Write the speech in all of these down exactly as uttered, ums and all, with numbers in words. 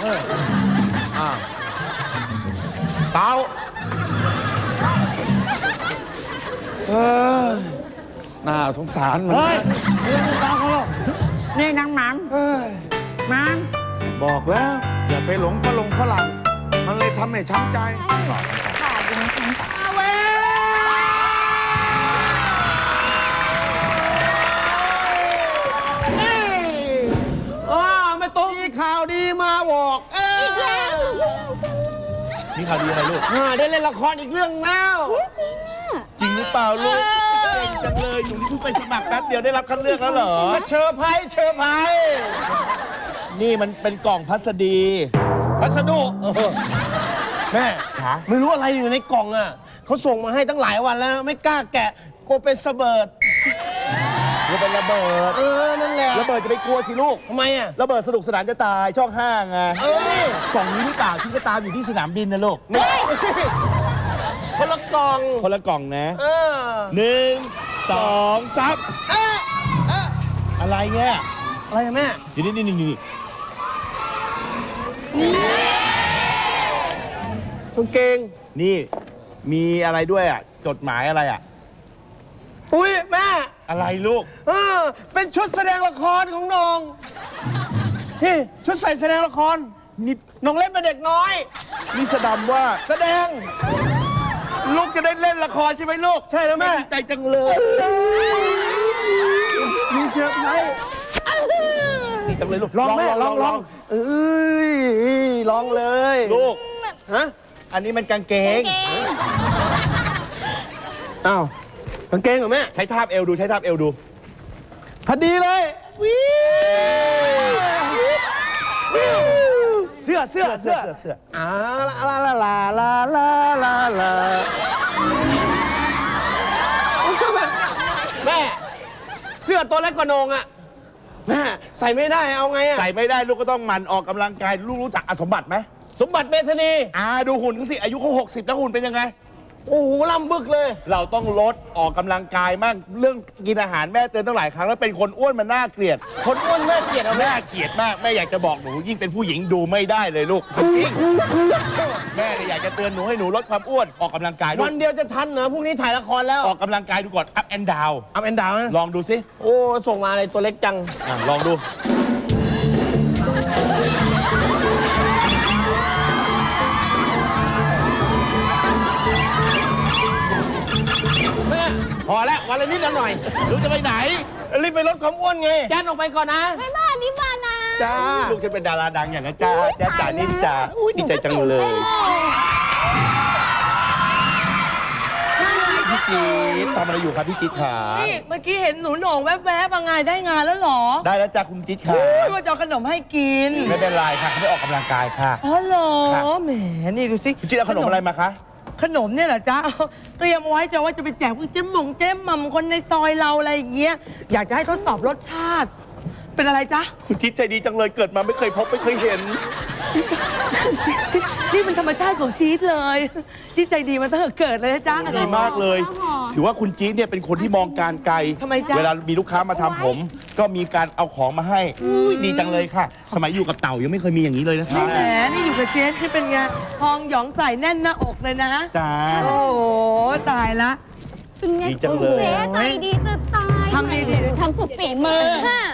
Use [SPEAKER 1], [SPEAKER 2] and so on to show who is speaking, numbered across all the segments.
[SPEAKER 1] อ่าเต้าเออน่าสงสารมัน
[SPEAKER 2] เฮ้ยเรื่องตาเขาหรอกนี่นางหมัง
[SPEAKER 1] เฮ้ย
[SPEAKER 2] หมัง
[SPEAKER 1] บอกแล้วอย่าไปหลงฝรั่งฝรั่งมันเลยทำให้ช้ำใจ
[SPEAKER 3] ค่ะดิฉันช้ำใจ
[SPEAKER 2] อาเว้ย
[SPEAKER 1] อ้าไม่ตรงมีข่าวดีมาบอกเออ
[SPEAKER 3] อีกแล้ว
[SPEAKER 4] นี่ข่าวดีอะไรลูก
[SPEAKER 1] อ่าได้เล่นละครอีกเรื่องแล้ว
[SPEAKER 3] จริงอ่ะ
[SPEAKER 4] จริงหรือเปล่าลูกเก่งจังเลยหนูนี่เพิ่งไปสมัครแป๊บเดียวได้รับคัดเลือกแล้วเหรอ
[SPEAKER 1] มาเชอร์ไพรส์เชอร์ไพรส์
[SPEAKER 4] นี่มันเป็นกล่องพัสดี
[SPEAKER 1] พัสดุแม่
[SPEAKER 4] ขา
[SPEAKER 1] ไม่รู้อะไรอยู่ในกล่องอ่ะเขาส่งมาให้ตั้งหลายวันแล้ว ไม่กล้าแกะกลัวเป็นสะเบิด
[SPEAKER 4] ก็เป็นระเบิด
[SPEAKER 1] เออ นั่นแหละ
[SPEAKER 4] ระเบิดจะไปกลัวสิลูก
[SPEAKER 1] ทำไมอ่ะ
[SPEAKER 4] ระเบิดสนุกสนานจะตายช่องห้าไง
[SPEAKER 1] เอ้ย
[SPEAKER 4] กล่องนี้หรือเปล่าที่ก็ตามอยู่ที่สนามบินนะลูก
[SPEAKER 1] คนละกล่อง
[SPEAKER 4] คนละกล่องนะ
[SPEAKER 1] เออ
[SPEAKER 4] หนึ่งสองสาม
[SPEAKER 1] เอ๊ะเอ๊ะ
[SPEAKER 4] อะไรเนี่ย
[SPEAKER 1] อะไรอะแม่
[SPEAKER 4] นี่นี่นี่นี่
[SPEAKER 1] กางเกง
[SPEAKER 4] นี่มีอะไรด้วยอ่ะจดหมายอะไรอ่ะ
[SPEAKER 1] อุ้ยแม่
[SPEAKER 4] อะไรลูก
[SPEAKER 1] เออเป็นชุดแสดงละครของน้องนี่ชุดใส่แสดงละคร
[SPEAKER 4] นี่
[SPEAKER 1] น้องเล่นเป็นเด็กน้อย
[SPEAKER 4] นี่แสดงว่า
[SPEAKER 1] แสดง
[SPEAKER 4] ลูกจะได้เล่นละครใช่ไหมลูก
[SPEAKER 1] ใช่แล้วแม่
[SPEAKER 4] ดีใจจังเลย
[SPEAKER 1] มีเชือกไหม
[SPEAKER 4] ดีจังเลยลูก
[SPEAKER 1] ลองแม่ลองลองเอ้ยลองเลย
[SPEAKER 4] ลูก
[SPEAKER 1] ฮะ
[SPEAKER 4] อันนี้มันกางเกง
[SPEAKER 3] เก่ง
[SPEAKER 1] อ้าวกางเกงเหรอแม่
[SPEAKER 4] ใช้ทาบเอวดูใช้ทาบเอวดู
[SPEAKER 1] พอดีเลยเสื้อเสื้อ
[SPEAKER 4] เสื้
[SPEAKER 1] เสื้
[SPEAKER 4] อ
[SPEAKER 1] อ
[SPEAKER 4] เสื้อเสื้อ
[SPEAKER 1] อ่าลาลาลาลาลาลาลาแม่ เสื้อตัวเล็กกว่าโหนงอ่ะแม่ใส่ไม่ได้เอาไงอ่ะ
[SPEAKER 4] ใส่ไม่ได้ลูกก็ต้องหมั่นออกกำลังกายลูกรู้จักอสมบัติไหม
[SPEAKER 1] สมบัติเมธานี
[SPEAKER 4] อ่าดูหุ่นเขาสิอายุเขาหกสิบแล้วหุ่นเป็นยังไง
[SPEAKER 1] โอ้โหล่ำบึกเลย
[SPEAKER 4] เราต้องลดออกกำลังกายมั่งเรื่องกินอาหารแม่เตือนตั้งหลายครั้งแล้วเป็นคนอ้วนมันน่าเกลียด
[SPEAKER 1] คนอ้วนแม่เกลียดเอาแม่
[SPEAKER 4] น่าเกลียดมากแม่อยากจะบอกหนูยิ่งเป็นผู้หญิงดูไม่ได้เลยลูกจริงแม่เนี่ยอยากจะเตือนหนูให้หนูลดความอ้วนออกกำลังกายด้ว
[SPEAKER 1] วั
[SPEAKER 4] ย
[SPEAKER 1] นเดียวจะทันเหรอพรุ่งนี้ถ่ายละครแล้ว
[SPEAKER 4] ออกกำลังกายดูก่อน up and down
[SPEAKER 1] อัพแอนดาวนะ
[SPEAKER 4] ลองดูสิ
[SPEAKER 1] โอ้ส่งมาอะไรตัวเล็กจัง
[SPEAKER 4] อ่ะลองดู
[SPEAKER 1] แม่พอแล้ววันละนิดละหน่อย
[SPEAKER 4] ลูกจะไปไหน
[SPEAKER 1] รีบไปลดความอ้วนไงแจ้นออกไปก่อนนะ
[SPEAKER 3] ไม่บ้านนี่บ้านนะ
[SPEAKER 1] จ้า
[SPEAKER 4] ลูกฉันเป็นดาราดังอย่างนั้นจ้าจ้าจ๋านี่จ้าอุ้ยดีใจจังเลยพี่จี๊ดทำอะไรอยู่ครับพี่จี๊ดขา
[SPEAKER 2] นี่เมื่อกี้เห็นหนูโหน่งแวบๆมาไงได้งานแล้วเหรอ
[SPEAKER 4] ได้แล้วจ้าคุณจี๊ดขา
[SPEAKER 2] ไม่ว่าจะเอาขนมให้กิน
[SPEAKER 4] ไม่เป็นไรค่ะเขาไม่ออกกำลังกายค่ะ
[SPEAKER 2] อ๋อเหรอ
[SPEAKER 4] ครับ
[SPEAKER 2] แหมนี่ดูสิ
[SPEAKER 4] คุณจี๊ดเอาขนมอะไรมาคะ
[SPEAKER 2] ขนมเนี่ยเหรอจ๊ะเตรียมเอาไว้จะว่าจะไปแจกพวกเจ๊หมงเจ๊หม่ำคนในซอยเราอะไรอย่างเงี้ยอยากจะให้ทดสอบรสชาติ เป็นอะไรจ๊ะ
[SPEAKER 4] คุณจี๊ดใจดีจังเลยเกิดมาไม่เคยพบไม่เคยเห็น
[SPEAKER 2] นี่มันธรรมชาติของจี๊ดเลยจี๊ดใจดีมาตั้งแต่เกิดเลยนะจ๊ะ
[SPEAKER 4] ดีมากเลย ถือว่าคุณจี๊ดเนี่ยเป็นคนที่มองการไกล
[SPEAKER 2] ทำไมจ๊ะ
[SPEAKER 4] เวลามีลูกค้ามาทำผม ก็มีการเอาของมาให้อุ้ยดีจังเลยค่ะ สมัยอยู่กับเต่ายังไม่เคยมีอย่างนี้เลยนะคะ
[SPEAKER 2] แหมนี่อยู่กับเจ๊ที่เป็นไงทองหยองใส่แน่นหน้าอกเลยนะ
[SPEAKER 4] จ้า
[SPEAKER 2] โอ้โหตายละ
[SPEAKER 3] เป็นไง
[SPEAKER 4] ดีจังเลย
[SPEAKER 3] เจ๊ใจดีจะตาย
[SPEAKER 2] ทำดีๆ
[SPEAKER 3] ทำสุดฝีมือฮะ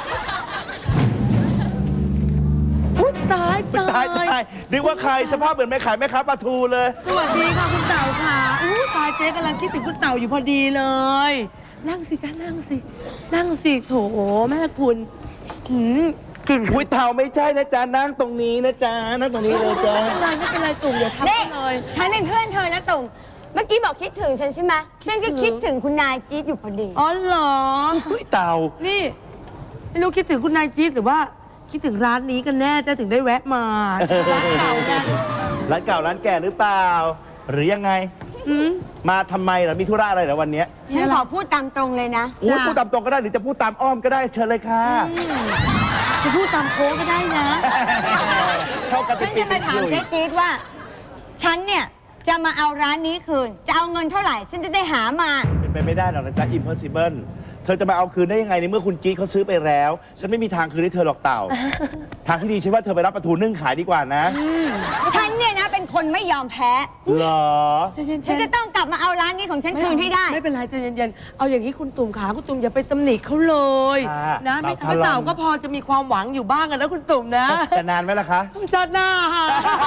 [SPEAKER 2] อุ๊ยตายตา
[SPEAKER 4] ตาย
[SPEAKER 2] ย
[SPEAKER 4] ตายนึกว่าใครสภาพเหมือนแม่ขายแม่ค้าปลาทูเลย
[SPEAKER 2] สวัสดีค่ะคุณเต่าค่ะอู้ตายเจ๊กำลังคิดถึงคุณเต่าอยู่พอดีเลย นั่งสิจ้านั่งสิ นั่งสิโถแม่คุณหืมกลิ่น
[SPEAKER 4] อุ้ยเต่าไม่ใช่นะจ๊ะนั่งตรงนี้นะจ๊ะนั่งตรงนี้เลยจ้ะ
[SPEAKER 2] ไม่เป็นไรไม่เป็นไรตุ่มอย่าทำ
[SPEAKER 3] นี่
[SPEAKER 2] เลย
[SPEAKER 3] ฉันเป็นเพื่อนเธอนะตุ่มเมื่อกี้บอกคิดถึงฉันใช่ไหมฉันก็คิดถึงคุณนายจี๊ดอยู่พอดี
[SPEAKER 2] อ๋อเหรอ
[SPEAKER 4] อุ้ยเต่า
[SPEAKER 2] นี่ไม่รู้คิดถึงคุณนายจี๊ดหรือว่าคิดถึงร้านนี้กันแน่จะถึงได้แวะมาร้านเก่าไง
[SPEAKER 4] ร้านเก่าร้านแก่หรือเปล่า หรือยังไง
[SPEAKER 2] หืม
[SPEAKER 4] มาทำไมเหรอมีธุระอะไรเหรอวันเนี้ย
[SPEAKER 3] ฉันขอพูดตามตรงเลยนะ
[SPEAKER 4] อุ้ย
[SPEAKER 2] จ้ะ
[SPEAKER 4] พูดตามตรงก็ได้หรือจะพูดตามอ้อมก็ได้เชิญเลยค่ะ
[SPEAKER 2] จะพูดตามโค้งก็ได้นะ
[SPEAKER 4] เข้ากันเป็
[SPEAKER 3] ฉั
[SPEAKER 4] น
[SPEAKER 3] น
[SPEAKER 4] ปี
[SPEAKER 3] จะมาถาม
[SPEAKER 4] เป็น
[SPEAKER 3] เจ๊จี๊ดว่า ฉันเนี่ยจะมาเอาร้านนี้คืน จะเอาเงินเท่าไหร่ ฉันจะได้หามา
[SPEAKER 4] เป็นไปไม่ได้หรอกนะจ๊ะ impossible เธอจะมาเอาคืนได้ยังไงในเมื่อคุณจี๊ดเขาซื้อไปแล้ว ฉันไม่มีทางคืนให้เธอหรอกเต่า ทางที่ดีฉันว่าเธอไปรับปลาทูนึ่งขายดีกว่านะ
[SPEAKER 3] ฉันเนี่ยนะเป็นคนไม่ยอมแพ้
[SPEAKER 4] เหรอ
[SPEAKER 2] ใจเย็นๆ
[SPEAKER 3] ฉันจะต้องกลับมาเอาร้านนี้ของฉันคืนให้ได้
[SPEAKER 2] ไม่เป็นไรใจเย็นๆ เอาอย่างนี้คุณตุ่มขาคุณตุ่มอย่าไปตำหนิเขาเลย
[SPEAKER 4] ค่ะ
[SPEAKER 2] นะไม่
[SPEAKER 4] เต่า
[SPEAKER 2] ทำ
[SPEAKER 4] ทะลอน
[SPEAKER 2] เต่าก็พอจะมีความหวังอยู่บ้างกันนะคุณตุ่มนะ
[SPEAKER 4] จะนานไหมล่ะคะ
[SPEAKER 2] จัดหน้าค่ะ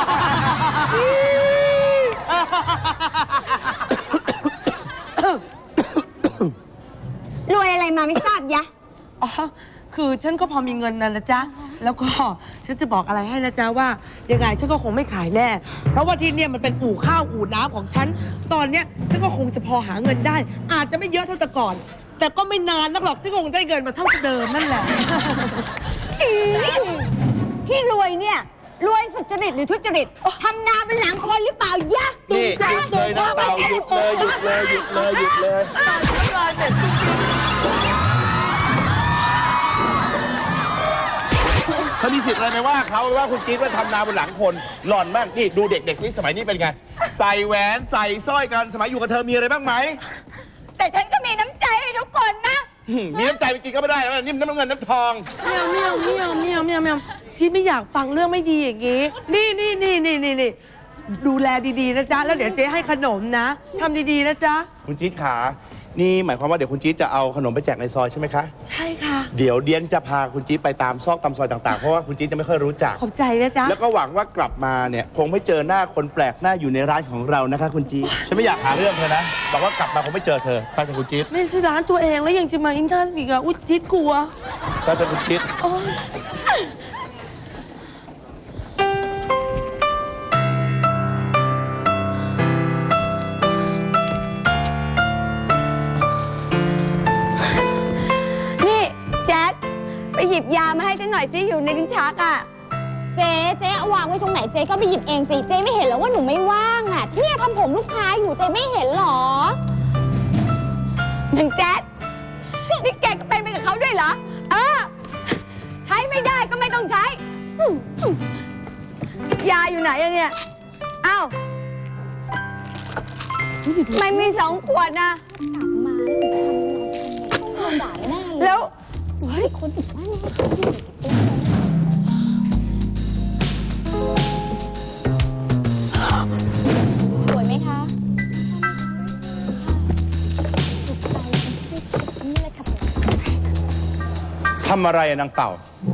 [SPEAKER 3] รวยอะไรมาไม่ทราบยะ
[SPEAKER 2] อ๋อ คือฉันก็พอมีเงินนะนะจ๊ะ แล้วก็ฉันจะบอกอะไรให้นะจ๊ะว่ายังไงฉันก็คงไม่ขายแน่ เพราะว่าที่เนี่ยมันเป็นอู่ข้าวอู่น้ำของฉัน ตอนเนี้ยฉันก็คงจะพอหาเงินได้ อาจจะไม่เยอะเท่าแต่ก่อน แต่ก็ไม่นานนักหรอกที่คงได้เงินมาเท่าเดิมนั่นแหละ
[SPEAKER 3] อีที่รวยเนี่ย รวยสุจริตหรือทุจริตทำนาเป็นหลังคนหรือเปล่ายะ
[SPEAKER 4] นี่หยุดเลยนะเต่าหยุดเลยหยุดเลยหยุดเลยหยุดเลยเขามีสิทธิ์อะไรไหมว่าเขาว่าคุณจี๊ดว่าทำนาบนหลังคนหล่อนบ้างนี่ดูเด็กๆนี่สมัยนี้เป็นไง ใส่แหวนใส่สร้อยกันสมัยอยู่กับเธอมีอะไรบ้างไหม
[SPEAKER 3] แต่ฉันก็มีน้ำใจให้ทุกคนนะ
[SPEAKER 4] หืมมีน้ำใจไปกินก็ไม่ได้แล้วนะนี่มันน้ำเงินน้ำทอง
[SPEAKER 2] เมียวเมียวเมียวเมียวเมียวเมียวที่ไม่อยากฟังเรื่องไม่ดีอย่างงี้ นี่นี่นี่นี่นี่นี่ดูแลดีๆนะจ๊ะ แล้วเดี๋ยวเจ๊ให้ขนมนะทำดีๆนะจ๊ะ
[SPEAKER 4] คุณจี๊ดขา นี่หมายความว่าเดี๋ยวคุณจี๊ดจะเอาขนมไปแจกในซอยใช่ไหมคะ
[SPEAKER 2] ใช่ค่ะ
[SPEAKER 4] เดี๋ยวเดียนจะพาคุณจี๊ดไปตามซอกตามซอยต่างๆ เพราะว่าคุณจี๊ดจะไม่ค่อยรู้จัก
[SPEAKER 2] ขอบใจนะจ๊ะ
[SPEAKER 4] แล้วก็หวังว่ากลับมาเนี่ยคงไม่เจอหน้าคนแปลกหน้าอยู่ในร้านของเรานะคะคุณจี๊ดฉันไม่อยากหาเรื่องเธอนะบอกว่ากลับมาคงไม่เจอเธอไปเถอะคุณจี๊ด
[SPEAKER 2] ไม่ใช่ร้านตัวเองแล้วยังจะมาอินเทอร์อีกอ่ะอุ๊ยจิตกลัว
[SPEAKER 4] ไปเถอะคุณจี๊ด
[SPEAKER 2] โอ๊ย
[SPEAKER 3] นี่แจ๊ดไปหยิบยามาให้ฉันหน่อยสิอยู่ในลิ้นชักอ่ะ
[SPEAKER 5] เจ๊เจ๊เอาวางไว้ตรงไหนเจ๊ก็ไปหยิบเองสิ เจ๊ไม่เห็นเหรอว่าหนูไม่ว่างอ่ะ เนี่ยทำผมลูกค้าอยู่เจ๊ไม่เห็นเหรอ
[SPEAKER 3] หนึ่งแจ๊ดนี่แกก็เป็นไปกับเขาด้วยเหรอ เออ ใช้ไม่ได้ก็ไม่ต้องใช้ ยาอยู่ไหนอะเนี่ย อ้าวไม่มีสองขวดนะ
[SPEAKER 5] กลับมาแล้วหนูจะทำยังไงต้องโดนด่าแน่เลย
[SPEAKER 3] แล้ว
[SPEAKER 5] เฮ้ยคนติดบ้านเนี่ยสวยไหมคะถูกใจนี่เลยค่ะ
[SPEAKER 4] ทำอะไรอะนางเต่า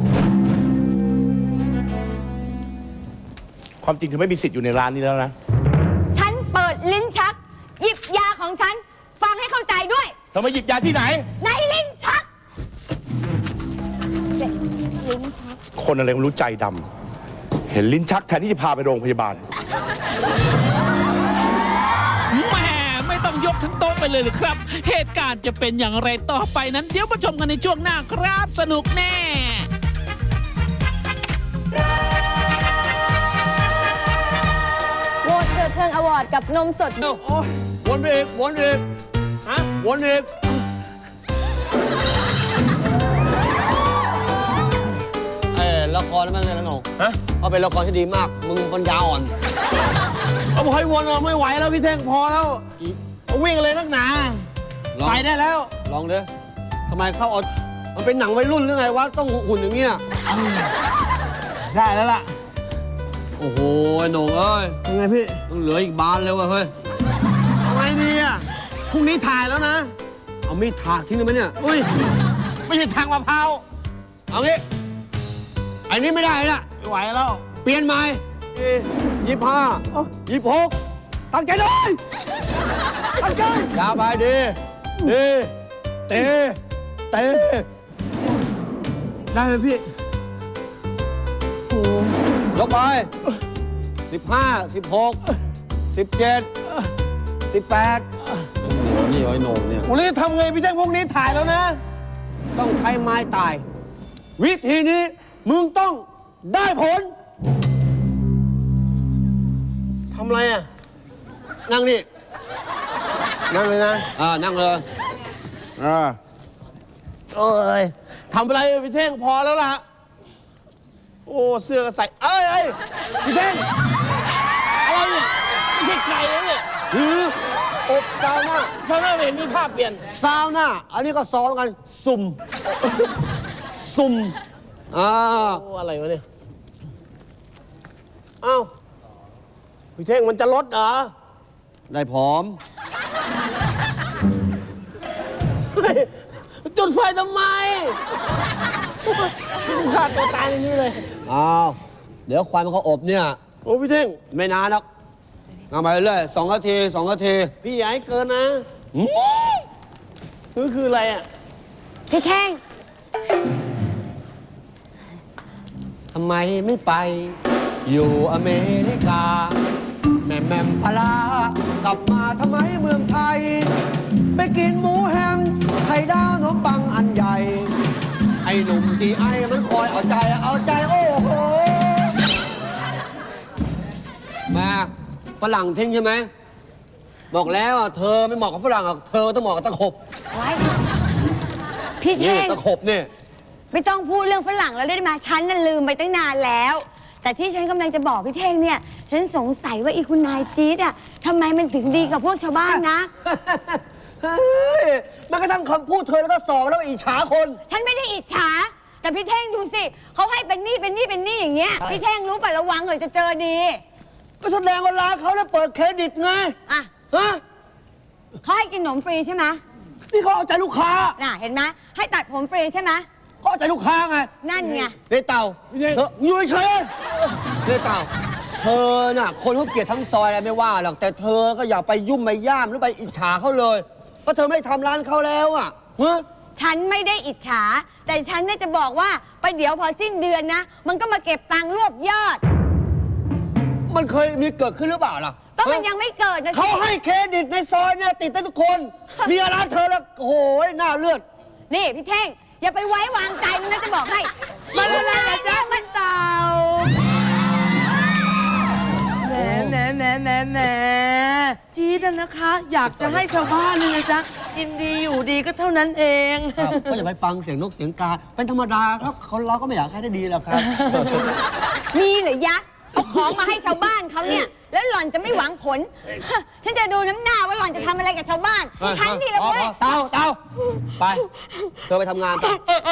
[SPEAKER 4] ความจริงเธอไม่มีสิทธิ์อยู่ในร้านนี้แล้วนะ
[SPEAKER 3] ฉันเปิดลิ้นชัก หยิบยาของฉัน ฟังให้เข้าใจด้วย
[SPEAKER 4] เธอมาหยิบยาที่ไหน
[SPEAKER 3] ในลิ้นชัก
[SPEAKER 5] ลิ้นชัก
[SPEAKER 4] คนอะไรไม่รู้ใจดำเห็นลิ้นชักแทนที่จะพาไปโรงพยาบาล
[SPEAKER 6] แหม่ไม่ต้องยกทั้งโต๊ะไปเลยหรือครับ เหตุการณ์จะเป็นอย่างไรต่อไปนั้น เดี๋ยวมาชมกันในช่วงหน้าครับ สนุกแน่
[SPEAKER 5] โหวตเถิดเทิงอวอร์ดกับนมสด
[SPEAKER 1] วนไปอีกวนอีกฮะวนอีก
[SPEAKER 7] เออละครนั่นมันเลยนะหนู
[SPEAKER 1] ฮะ
[SPEAKER 7] เอาเป็นละครที่ดีมาก มึงปัญญาอ่อน
[SPEAKER 1] เอาบอกให้วนเราไม่ไหวแล้วพี่เท่งพอแล้ว
[SPEAKER 7] กี่
[SPEAKER 1] วิ่งเลยนักหนา
[SPEAKER 7] ลอง
[SPEAKER 1] ไปได้แล้ว
[SPEAKER 7] ลองดิทำไมเข้าเอามันเป็นหนังวัยรุ่นหรือไงวะ ต้องหุ่นอย่างเงี้ย
[SPEAKER 1] ได้แล้วล่ะ
[SPEAKER 7] โอ้โหไอ้หนูเอ้ย
[SPEAKER 1] ยังไงพี่
[SPEAKER 7] ต้องเหลืออีกบานเลยว่ะเฮ้ย
[SPEAKER 1] เอาไงดีอ่ะพรุ่งนี้ถ่ายแล้วนะ
[SPEAKER 7] เอามีดถากทิ้งได้ไหมเนี่ย
[SPEAKER 1] อุ้ย ไม่ใช่ทางมะพร้าว
[SPEAKER 7] เอางี้ไอ้นี้ไม่ได้ละ
[SPEAKER 1] ไม่ไหวแล้ว
[SPEAKER 7] เปลี่ยนใหม่ยี่ห้ายี่หก
[SPEAKER 1] ตั้งใจเลยตั้งใจ
[SPEAKER 7] ยาไปดีดีเตะเตะ
[SPEAKER 1] ได้ไหมพี่
[SPEAKER 7] ยกไปสิบห้าสิบหกสิบเจ็ดสิบแปดนี่ไอ้หนูเนี่ย
[SPEAKER 1] โอ้ยทำไงพี่แจ้งพวกนี้ถ่ายแล้วนะ
[SPEAKER 7] ต้องใช้ไม้ตาย วิธีนี้มึงต้องได้ผล
[SPEAKER 1] ทำอะไรอ่ะ
[SPEAKER 7] นั่งนี่
[SPEAKER 1] นั่นเลยนะ
[SPEAKER 7] อ่านั่งเลย
[SPEAKER 1] อ่าเอ้ยทำอะไรพี่เท่งพอแล้วล่ะ โอ้เสื้อก็ใส่ เอ้ยเอ้ยพี่เท่งอะไรเนี่ยไม่ใช่ไก่นะเนี่ย
[SPEAKER 7] หืออบซาวน่า
[SPEAKER 1] ซาวน่าไม่เห็นมีภาพเปลี่ยน
[SPEAKER 7] ซาวน่าอันนี้ก็ซ้อมกัน สุ่ม สุ่มอ่า
[SPEAKER 1] โอ้อะไรวะเนี่ยอ้าวพี่เท่งมันจะลดเหรอ
[SPEAKER 7] ได้พร้อม
[SPEAKER 1] เฮ้ยจุดไฟทำไมฆ่าตัวตายอย่างนี้เลย
[SPEAKER 7] อ้าวเดี๋ยวควันมันเขาอบเนี่ย
[SPEAKER 1] โอ้พี่เท่ง
[SPEAKER 7] ไม่นานหรอกเอาไปเรื่อยสองนาทีสองนาที
[SPEAKER 1] พี่อย่าให้เกินนะ
[SPEAKER 7] อืม
[SPEAKER 1] นี่คืออะไรอ่ะ
[SPEAKER 3] พี่แท่ง
[SPEAKER 7] ทำไมไม่ไป อยู่อเมริกา แม่แม่มพลากลับมาทำไมเมืองไทย ไปกินหมูแฮมไข่ดาวขนมปังอันใหญ่ ไอ้หนุ่มจีไอมันคอยเอาใจเอาใจโอ้โหแม่ฝรั่งทิ้งใช่ไหม บอกแล้วอ่ะเธอไม่เหมาะกับฝรั่งหรอกเธอต้องเหมาะกับตะขบ
[SPEAKER 3] ไว้ พี่
[SPEAKER 7] นี่
[SPEAKER 3] แท่ง
[SPEAKER 7] ตะขบนี่
[SPEAKER 3] ไม่ต้องพูดเรื่องฝรั่งแล้วได้ไหมฉันน่ะลืมไปตั้งนานแล้ว แต่ที่ฉันกำลังจะบอกพี่เท่งเนี่ย ฉันสงสัยว่าอีคุณนายจี๊ดอ่ะทำไมมันถึงดีกับพวกชาวบ้านนะ
[SPEAKER 7] เฮ้ยมันก็ทั้งคำพูดเธอแล้วก็สอบแล้วอิจฉาคน
[SPEAKER 3] ฉันไม่ได้อิจฉา แต่พี่เท่งดูสิเขาให้เป็นหนี้เป็นหนี้เป็นหนี้อย่างเงี้ย พี่เท่งรู้ป่ะระวังเลยจะเจอดี
[SPEAKER 7] ก็แสดงว่าร้านเขาได้เปิดเครดิตไง
[SPEAKER 3] อ่ะ
[SPEAKER 7] ฮะ
[SPEAKER 3] เขาให้กินขนมฟรีใช่ไหม
[SPEAKER 7] นี่เขาเอาใจลูกค้า
[SPEAKER 3] น่ะเห็นไหมให้ตัดผมฟรีใช่ไหม
[SPEAKER 7] เขาเอาใจลูกค้าไง
[SPEAKER 3] นั่นไง
[SPEAKER 7] เนเต่าเธออยู่เฉยเนเต่าเธอน่ะคนเขาเกลียดทั้งซอยอะไรไม่ว่าหรอกแต่เธอก็อย่าไปยุ่มไปย่ามหรือไปอิจฉาเขาเลยเพราะเธอไม่ได้ทำร้านเขาแล้วอ่ะฮะ
[SPEAKER 3] ฉันไม่ได้อิจฉา แต่ฉันเนี่ยจะบอกว่าไปเดี๋ยวพอสิ้นเดือนนะ มันก็มาเก็บตังค์รวบยอด
[SPEAKER 7] มันเคยมีเกิดขึ้นหรือเปล่าล่ะ
[SPEAKER 3] ก็มัน
[SPEAKER 7] ฮะ
[SPEAKER 3] ยังไม่เกิดนะสิ
[SPEAKER 7] เขาให้เครดิตในซอยเนี่ยติดได้ทุกคน มีร้านเธอแล้วโอ้โหหน้าเลือด
[SPEAKER 3] นี่พี่เท่ง อย่าไปไว้วางใจมันนะจะบอกให้
[SPEAKER 2] มาแล้วนะจ๊ะมันเต่าแหมแหมแหมแหมแหมจี๊ดอะนะคะ อยากจะให้ชาวบ้านเลยนะจ๊ะกินดีอยู่ดีก็เท่านั้นเอง
[SPEAKER 7] ครับก็อย่าไปฟังเสียงนกเสียงกาเป็นธรรมดาครับคนเราก็ไม่อยากให้ได้ดีหรอกครับ
[SPEAKER 3] มีเหรือยะเอาของมาให้ชาวบ้านเขาเนี่ย แล้วหล่อนจะไม่หวังผล ฉันจะดูน้ำหน้าว่าหล่อนจะทำอะไรกับชาวบ้าน ฉันนี่แหละเว้ย
[SPEAKER 7] เต้าเต้าไป เธอไปทำงานไป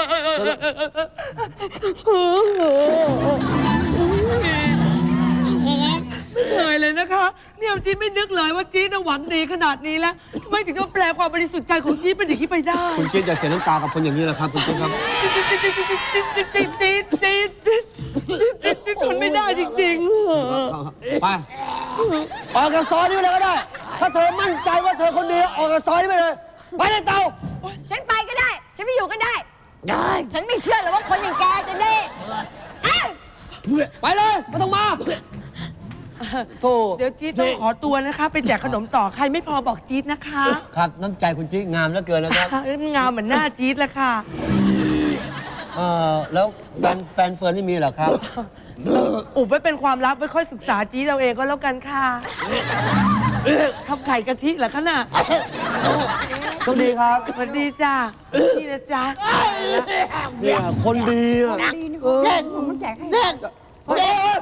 [SPEAKER 2] ไม่เคยเลยนะคะ เนี่ยจี๊ดไม่นึกเลยว่าจี๊ดน่ะหวังดีขนาดนี้แล้วทำไมถึงต้องแปลความบริสุทธิ์ใจของจี๊ดเป็นอย่างนี้ไปได้
[SPEAKER 7] คุณจิ๊ดอย่าเสียน้ำตากับคนอย่างนี้นะครับคุณจิ๊ดครับ
[SPEAKER 2] จี๊ดจี๊ดจี๊ดจี๊ดจี๊ดจี๊ดจี๊ดจี๊ดทนไม่ได้จริงๆ
[SPEAKER 7] ไป ออกจากซอยนี้ไปเลยก็ได้ ถ้าเธอมั่นใจว่าเธอคนเดียวออกจากซอยนี้ไปเลย ไปเลยเต้า
[SPEAKER 3] ฉันไปก็ได้ ฉันไม่อยู่ก็ได้ ได้ ฉันไม่เชื่อหรอกว่าคนอย่างแกจะได้เอ้ย
[SPEAKER 7] ไปเลยไม่ต้องมาโธ่
[SPEAKER 2] เดี๋ยวจี๊ดต้องขอตัวนะคะ ไปแจกขนมต่อใครไม่พอบอกจี๊ดนะคะ
[SPEAKER 7] ครับน้ำใจคุณจิ๊ดงามเหลือเกินนะครับ
[SPEAKER 2] งามเหมือนหน้าจี๊ดเลยค่ะ
[SPEAKER 7] เออแล้วแฟนแฟนเฟิร์นนี่มีเหรอครับ
[SPEAKER 2] อุบไว้เป็นความลับไว้ค่อยศึกษาจี๊ดเราเองก็แล้วกันค่ะทำไข่กะทิเหรอคะน่ะ
[SPEAKER 7] โชคดีครับ
[SPEAKER 2] สวัสดีจ้านี่นะจ๊ะ
[SPEAKER 7] เนี่ยคนดีอ่ะ
[SPEAKER 3] เล่นมันแจกให้
[SPEAKER 1] เท่งเท่ง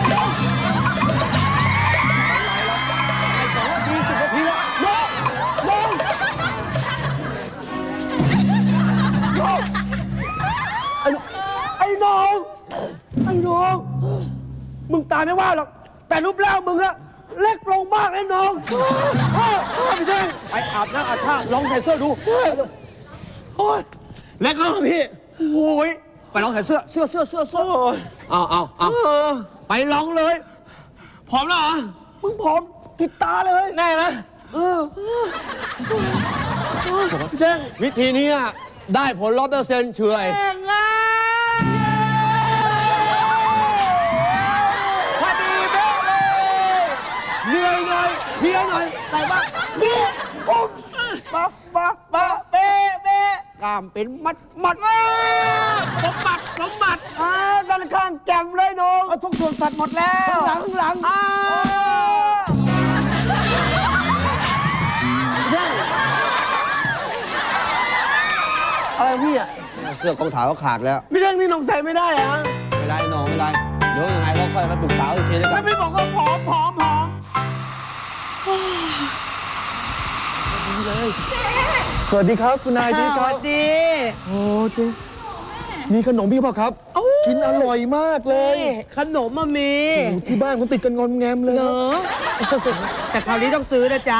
[SPEAKER 7] ดีสิบนาทีแล้วโยกโยกโยกไอ้น้องไอ้น้อง มึงตายไม่ว่าหรอก แต่รูปร่างมึงอะเล็กลงมากไอ้น้องพี่เท่งไปอาบน้ำอาบท่าลองใส่เสื้อดูโอ้ย
[SPEAKER 1] เล็กแล้วเหรอพี่
[SPEAKER 7] โอ้ยไปลองใส่เสื้อเสื้อเสื้อเสื้อเสื้อเอาเอาเอาไปลองเลย
[SPEAKER 1] พร้อมแล้วเหรอ
[SPEAKER 7] มึงผอมปิดตาเลย
[SPEAKER 1] แน่นะ
[SPEAKER 7] เออพี่เท่งวิธีนี้อะได้ผลร้อยเปอร์เซ็นต์เฉยพอดีเป๊ะเลยเหนื่อยหน่อยเพลียหน่อยแต่ว่านี่ปุ๊บปั๊บปั๊บปั๊บเป๊ะเป๊ะกล้ามเป็นมัดมัดสมบัติสมบัติอ่าด้านข้างแจ่มเลยน้องทุกส่วนสัตว์หมดแล้วหลังหลังอ่าอะไรพี่อ่ะเสื้อกองถ่ายก็ขาดแล้ว
[SPEAKER 1] พี่เท่งนี่น้องใส่ไม่ได้อะ
[SPEAKER 7] ไม่ไรน้องไม่ไรเดี๋ยวยังไงเราค่อยมาปรึกษาอีกทีแล้วกั
[SPEAKER 1] แล้
[SPEAKER 7] น
[SPEAKER 1] วพี่บอกว่าผอมผอมผอม
[SPEAKER 7] สวัสดีครับคุณนายจี
[SPEAKER 2] ส
[SPEAKER 7] ครั
[SPEAKER 2] วั
[SPEAKER 7] บ
[SPEAKER 2] สดี
[SPEAKER 7] โอ้เจ๊มีขนมพี่เปล่าครับ กินอร่อยมากเลย
[SPEAKER 2] นี่ขนมมามี
[SPEAKER 7] โอ้ที่บ้านผมติดกันงอมแงมเลย
[SPEAKER 2] เน
[SPEAKER 7] ครับ
[SPEAKER 2] อะแต่คราวนี้ต้องซื้อนะจ๊ะ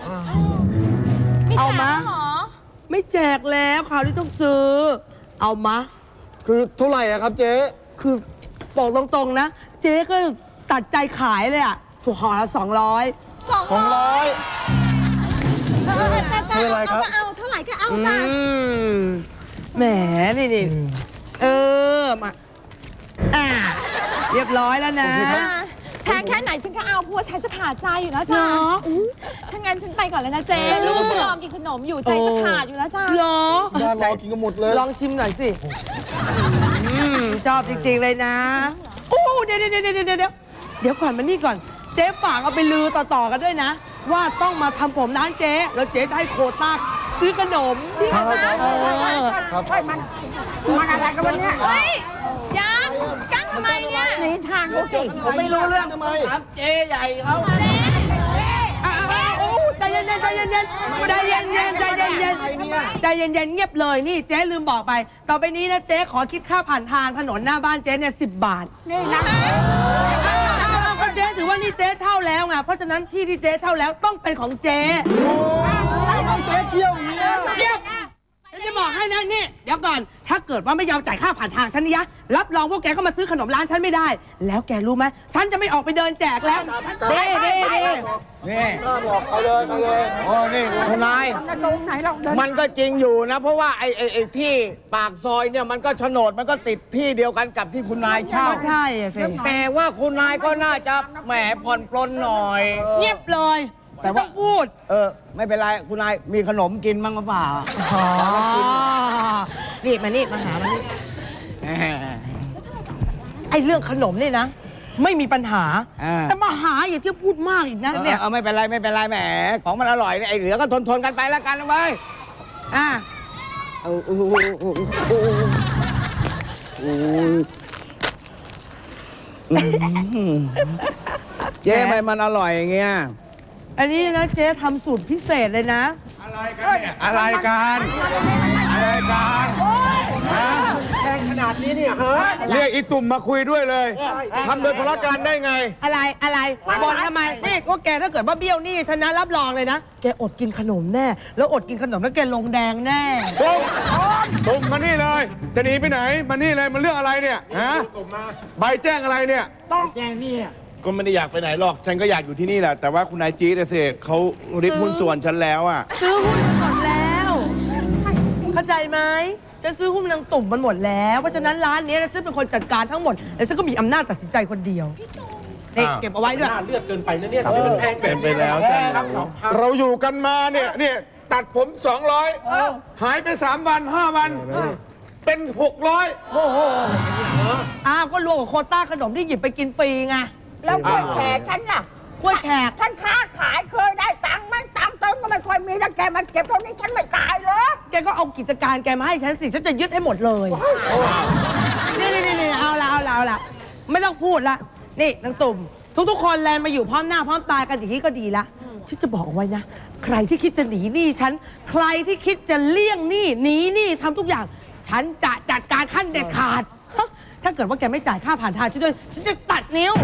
[SPEAKER 2] เอามาไม่แจกแล้วคราวนี้ต้องซื้อ เอามา
[SPEAKER 7] คือเท่าไหร่อะครับเจ๊
[SPEAKER 2] คือบอกตรงๆนะ เจ๊ก็ตัดใจขายเลยอ่ะถูกห่อละสองร้อย
[SPEAKER 5] สอง
[SPEAKER 7] สองร้อย
[SPEAKER 5] เออจะจะ
[SPEAKER 7] ไม่เป็นไรครับ
[SPEAKER 5] เอาก็เอาเท่าไหร่ก็เอาจ้ะ
[SPEAKER 2] แหมนี่นี่เออมาอ่าเรียบร้อยแล้วนะ
[SPEAKER 5] แพงแค่ไหนฉันก็เอาเพราะว่าฉันจะขาดใจอยู่แล้วจ้ะ
[SPEAKER 2] เหรอ
[SPEAKER 5] อู้ถ้างั้นฉันไปก่อนเลยนะเจ๊ลูกฉันรอกินขนมอยู่ใจจะขาดอยู่แล้วจ้ะ
[SPEAKER 2] เหรอ
[SPEAKER 7] บ้านรอกินกันหมดเลย
[SPEAKER 2] ลองชิมหน่อยสิอืมชอบจริงๆเลยนะโอ้เดี๋ยวเดี๋ยวเดี๋ยวเดี๋ยวเดี๋ยวเดี๋ยวก่อนมานี่ก่อน เจ๊ฝากเอาไปลือต่อๆกันด้วยนะ ว่าต้องมาทำผมร้านเจ๊แล้วเจ๊จะให้โควต้าซื้อขนมที่
[SPEAKER 7] ครับ
[SPEAKER 2] เออ
[SPEAKER 7] ครับ
[SPEAKER 5] เฮ้ยยังกั้นทำไมเนี่ยหนีทางเขาสิ
[SPEAKER 7] ผมไม่รู้เรื่องทำไม
[SPEAKER 2] อ่ะอ่ะอ่ะโอ้ใจเย็นๆใจเย็นๆใจเย็นๆใจเย็นๆใจเย็นๆเงียบเลยนี่เจ๊ลืมบอกไป ต่อไปนี้นะเจ๊ขอคิดค่าผ่านทางถนนหน้าบ้านเจ๊เนี่ยสิบบาท
[SPEAKER 5] นี่นะ
[SPEAKER 2] เอาเอาก็เจ๊ถือว่านี่เจ๊เช่าแล้วไงเพราะฉะนั้นที่ที่เจ๊เช่าแล้วต้องเป็นของเจ๊
[SPEAKER 7] เอาเจ๊เที่ยวอย่างนี้ย
[SPEAKER 2] เดี๋ยวฉันจะบอกให้นะนี่เดี๋ยวก่อน ถ้าเกิดว่าไม่ยอมจ่ายค่าผ่านทางฉันนี่ยะรับรองพวกแกก็มาซื้อขนมร้านฉันไม่ได้ แล้วแกรู้ไหมฉันจะไม่ออกไปเดินแจกแล้วเด้เด้เด้
[SPEAKER 8] นี่
[SPEAKER 7] น่าบอกเอาเลยเอาเลย
[SPEAKER 8] โอ้นี่คุณนาย มันก็จริงอยู่นะ เพราะว่าไอ้ไอ้ไอ้ที่ปากซอยเนี่ยมันก็โฉนดมันก็ติดที่เดียวกันกับที่คุณนายเช่า
[SPEAKER 2] ก็ใช่อะสิ
[SPEAKER 8] แต่ว่าคุณนายก็น่าจะแหมผ่อนปลนหน่อย
[SPEAKER 2] เงียบเลย
[SPEAKER 8] แต่
[SPEAKER 2] ไม่
[SPEAKER 8] ว่า
[SPEAKER 2] ต้องพูด
[SPEAKER 8] เออ ไม่เป็นไร คุณนายมีขนมกินมั้งหรือเปล่า
[SPEAKER 2] อ๋อนี่มานี่มาหามานี่
[SPEAKER 8] แหม
[SPEAKER 2] ไอ้เรื่องขนมนี่นะ ไม่มีปัญหา
[SPEAKER 8] อ่า
[SPEAKER 2] แต่มาหาอย่าที่พูดมากอีกนะ
[SPEAKER 8] เออ
[SPEAKER 2] เนี่ย
[SPEAKER 8] เออไม่เป็นไรไม่เป็นไรแหม ของมันอร่อยเนี่ยไอ้เหลือก็ทนทนๆกันไปแล้วกันนะเว้ย
[SPEAKER 2] อ่ะ
[SPEAKER 8] เอาโอ้โหโอ้โหโอ้โหโอ้โหเจ๊ทำไมมันอร่อยอย่างเงี้ย
[SPEAKER 2] อันนี้นะเจ๊ทำสูตรพิเศษเลยนะ
[SPEAKER 4] อะไรกันเนี่ยอะไรกันอะไรกันเรียกอีตุ่มมาคุยด้วยเลยทำโดยพละการได้ไง
[SPEAKER 2] อะไรอะไรบอลทำไมนี่พวกแกถ้าเกิดว่าเบี้ยวหนี่ฉันนะรับรองเลยนะ แกอดกินขนมแน่ แล้วอดกินขนมแล้วแกลงแดงแน่
[SPEAKER 4] ตุ่มตุ่มมานี่เลย จะหนีไปไหน มานี่เลย มันเรื่องอะไรเนี่ย ฮะใบแจ้งอะไรเนี่ยก็ไม่ได้อยากไปไหนหรอก ฉันก็อยากอยู่ที่นี่แหละ แต่ว่าคุณนายจี๊ดอะสิเขาริบหุ้นส่วนฉันแล้วอ่ะ
[SPEAKER 2] ซื้อหุ้นมันหมดแล้ว เข้าใจไหมฉันซื้อหุ้นนางตุ่มมันหมดแล้ว เพราะฉะนั้นร้านนี้ฉันเป็นคนจัดการทั้งหมด แล้วฉันก็มีอำนาจตัดสินใจคนเดียวนี่
[SPEAKER 4] อ้าว
[SPEAKER 2] เก็บเอาไว้ด้วย
[SPEAKER 4] เป็นไปแล้วจ้ะเราอยู่กันมาเนี่ยเนี่ยตัดผมสองร้อยหายไปสามวันห้าวัน เป็นหกร้อย
[SPEAKER 2] อ้าวก็รวมกับโควต้าขนมที่หยิบไปกินฟรีไง
[SPEAKER 9] แล้วกล้วยแขกฉันน่ะ
[SPEAKER 2] กล้วยแขก
[SPEAKER 9] ฉันค้าขายเคยได้ตังค์ไหมตังค์เติมก็ไม่ค่อยมีแล้วแกมาเก็บเท่านี้ฉันไม่ตายเหรอ
[SPEAKER 2] แกก็เอากิจการแกมาให้ฉันสิ ฉันจะยึดให้หมดเลย นี่นี่นี่เอาละเอาละเอาละไม่ต้องพูดละ นี่นางตุ่ม ทุกๆคนแลนมาอยู่พร้อมหน้าพร้อมตากันอย่างนี้ก็ดีละฉันจะบอกเอาไว้นะ ใครที่คิดจะหนีหนี้ฉัน ใครที่คิดจะเลี่ยงหนี้หนีหนี้ทำทุกอย่าง ฉันจะจัดการขั้นเด็ดขาด ถ้าเกิดว่าแกไม่จ่ายค่าผ่านทางฉันด้วย ฉันจะตัดนิ้ว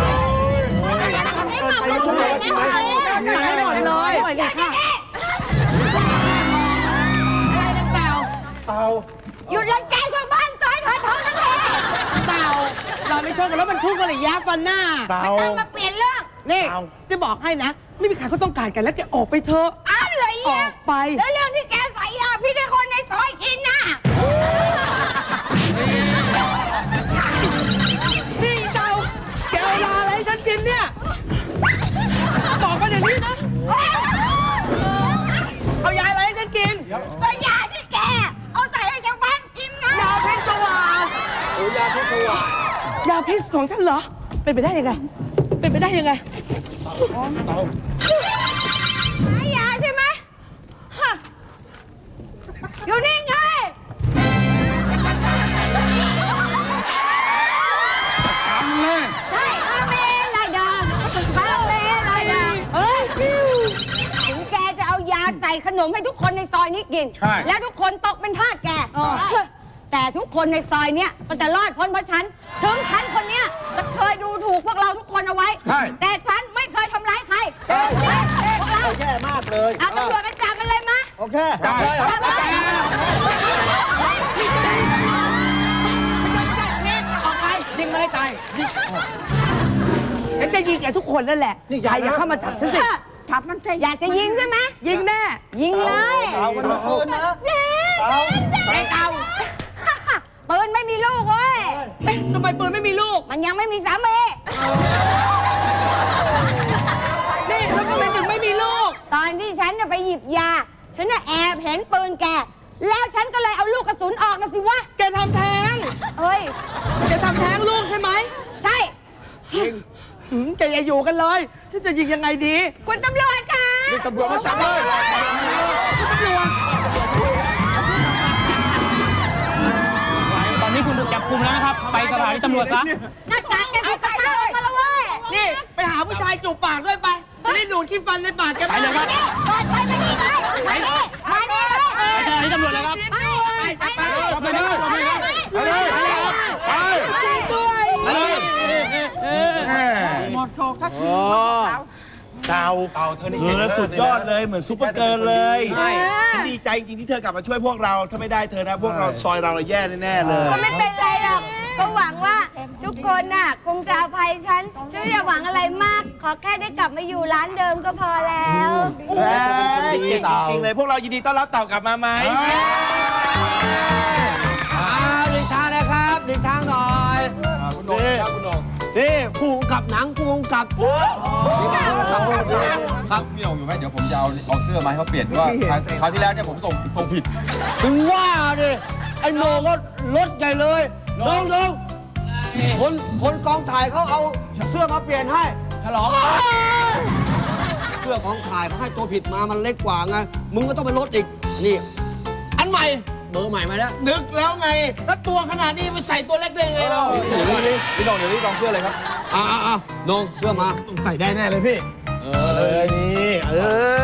[SPEAKER 5] ไม่เหมาไม่เหมาไม่เหมา
[SPEAKER 2] ตัดให้หมดเลยปล่อยเลยค่ะอะไรนะเต่า
[SPEAKER 9] หยุดรังแกชาวบ้านซอยเถอะเถอะนั่นแหละ
[SPEAKER 2] เต่า เราไม่ชนกันแล้วมันทุกข์กันเลยยักษ์ฟันหน้า
[SPEAKER 4] เตา
[SPEAKER 9] ต้องมาเปลี่ยนเรื่อง
[SPEAKER 2] นี่ จะบอกให้นะ ไม่มีใครเขาต้องการกันแล้วแกออกไปเถอะ
[SPEAKER 9] อะไร
[SPEAKER 2] อ
[SPEAKER 9] อ่ะ
[SPEAKER 2] อกไป
[SPEAKER 9] แล้วเรื่องที่แกใส่ยาพี่ให้คนในซอยกินน่ะ
[SPEAKER 2] นี่เต่าแกเอายาอะไรให้ฉันกินเนี่ย บอกมาเดี๋ยวนี้นะ เอายาอะไรให้ฉันกิน
[SPEAKER 9] ก็ยาที่แก เอาใส่ให้ชาวบ้านกินไง
[SPEAKER 2] ยาพิษสว่างยาพิษสว่างยาพิษของฉันเหรอ เป็นไปได้ยังไง เป็นไปได้ยังไง
[SPEAKER 9] หายาใช่ไหมฮะอยู่นี่ไง
[SPEAKER 8] ทำเลย
[SPEAKER 9] ใช่พาเมลายดาพาเมลายดาเฮ้ย
[SPEAKER 3] ขนมให้ทุกคนในซอยนี้กิน
[SPEAKER 4] ใช่
[SPEAKER 3] แล้วทุกคนตกเป็นทาสแกแต่ทุกคนในซอยเนี้ยก็จะรอดพ้นเพราะฉัน ถึงฉันคนเนี้ยจะเคยดูถูกพวกเราทุกคนเอาไว้
[SPEAKER 4] ใช่
[SPEAKER 3] แต่ฉันไม่เคยทำร้ายใครพวกเรา
[SPEAKER 7] แย่มากเลย
[SPEAKER 3] เอาตำรวจกันจับมันเลยมะ
[SPEAKER 7] โอเคจับเลย
[SPEAKER 3] จับเลย
[SPEAKER 2] ออกไป
[SPEAKER 8] ยิงไม่ให้ตาย
[SPEAKER 2] ฉันจะยิงแกทุกคนนั่นแหละใครอย่าเข้ามาจับฉันสิจับมันสิ
[SPEAKER 3] อยากจะยิงใช่ไหม
[SPEAKER 2] ยิงแน่
[SPEAKER 3] ยิงเลย
[SPEAKER 7] เอากันมาคืนนะ
[SPEAKER 3] เจ๊
[SPEAKER 7] เอา
[SPEAKER 3] เจ๊เอาปืนไม่มีลูกเว้ย
[SPEAKER 2] เอ๊ะทำไมปืนไม่มีลูก
[SPEAKER 3] มันยังไม่มีสามี
[SPEAKER 2] นี่แล้วทำไมถึงไม่มีลูก
[SPEAKER 3] ตอนที่ฉันน่ะไปหยิบยา ฉันน่ะแอบเห็นปืนแก แล้วฉันก็เลยเอาลูกกระสุนออกมาสิวะ
[SPEAKER 2] แกทำแท้ง
[SPEAKER 3] เฮ้ย
[SPEAKER 2] แกทำแท้งลูกใช่ไหม
[SPEAKER 3] ใช่
[SPEAKER 2] หืมแกอย่าอยู่กันเลย ฉันจะยิงยังไงดี
[SPEAKER 3] คุณตำรวจคะ
[SPEAKER 4] ตำรวจมาจับเลย
[SPEAKER 2] ตำรวจ
[SPEAKER 6] ตอนนี้คุณถูกจับกุมแล้วนะครับ ไปสถานีตำรวจซะ
[SPEAKER 3] หน้ากากแกถูกกระชากออกมาแล้วเว้ย
[SPEAKER 2] นี่ ไปหาผู้ชายจูบปากด้วยไปจะได้ดูดขี้ฟันในปากแก
[SPEAKER 6] ไปเลยครับ
[SPEAKER 3] ไปไปไปนี่ไปไปนี่มานี่เลย
[SPEAKER 6] ไปสถานีตำรวจเลยครับ
[SPEAKER 3] ไปไปไป
[SPEAKER 4] จับไปเลยจับไปเลยไปเลยไป
[SPEAKER 2] ด้วย
[SPEAKER 4] ไปเลยแม่
[SPEAKER 2] หมดโชว์ทักที
[SPEAKER 1] เต่าเต่าเธอนี่เธอสุดยอดเลยเหมือนซุปเปอร์เกิร์ลเลยฉันดีใจจริงๆที่เธอกลับมาช่วยพวกเรา ถ้าไม่ได้เธอนะ พวกเราซอยเราแย่แน่ๆเลย
[SPEAKER 3] ก็ไม่เป็นไรหรอกก็หวังว่าทุกคนน่ะคงจะอภัยฉัน ฉันไม่อยากหวังอะไรมาก ขอแค่ได้กลับมาอยู่ร้านเดิมก็พอแล้ว
[SPEAKER 1] เอ้ยเก่งจริงๆเลย พวกเรายินดีต้อนรับเต่ากลับมาไหม
[SPEAKER 7] เอาหลีกทางนะครับหลีกทางหน่อย
[SPEAKER 4] คุณโหน่งครับคุณโหน่ง
[SPEAKER 7] นี่ผู้กำกับหนังผู้กำกับนี่ผู้กำกับผู้กำกับ
[SPEAKER 10] ครับพี่หน่งอยู่ไหมเดี๋ยวผมจะเอาเอาเสื้อมาให้เขาเปลี่ยนว่าคราวคราวที่แล้วเนี่ยผมส่งส่งผิด
[SPEAKER 7] ถึงว่าดิไอ้โหนงก็ลดใหญ่เลยน้องน้องคนคนกองถ่ายเขาเอาเสื้อมาเปลี่ยนให้ฉลองเสื้อของถ่ายเขาให้ตัวผิดมามันเล็กกว่าไงมึงก็ต้องไปลดอีกนี่ อันใหม่เบอร์ใหม่มาแล้ว
[SPEAKER 1] นึกแล้วไง แล้วตัวขนาดนี้ไปใส่ตัวเล็กได้ไงเรา
[SPEAKER 10] พี่หน่งเดี๋ยวรีบลองเสื้อเลยครับ
[SPEAKER 7] อ่าอ่าน้องเสื้อมา
[SPEAKER 1] ใส่ได้แน่เลยพี่ เออเลยนี่ เออ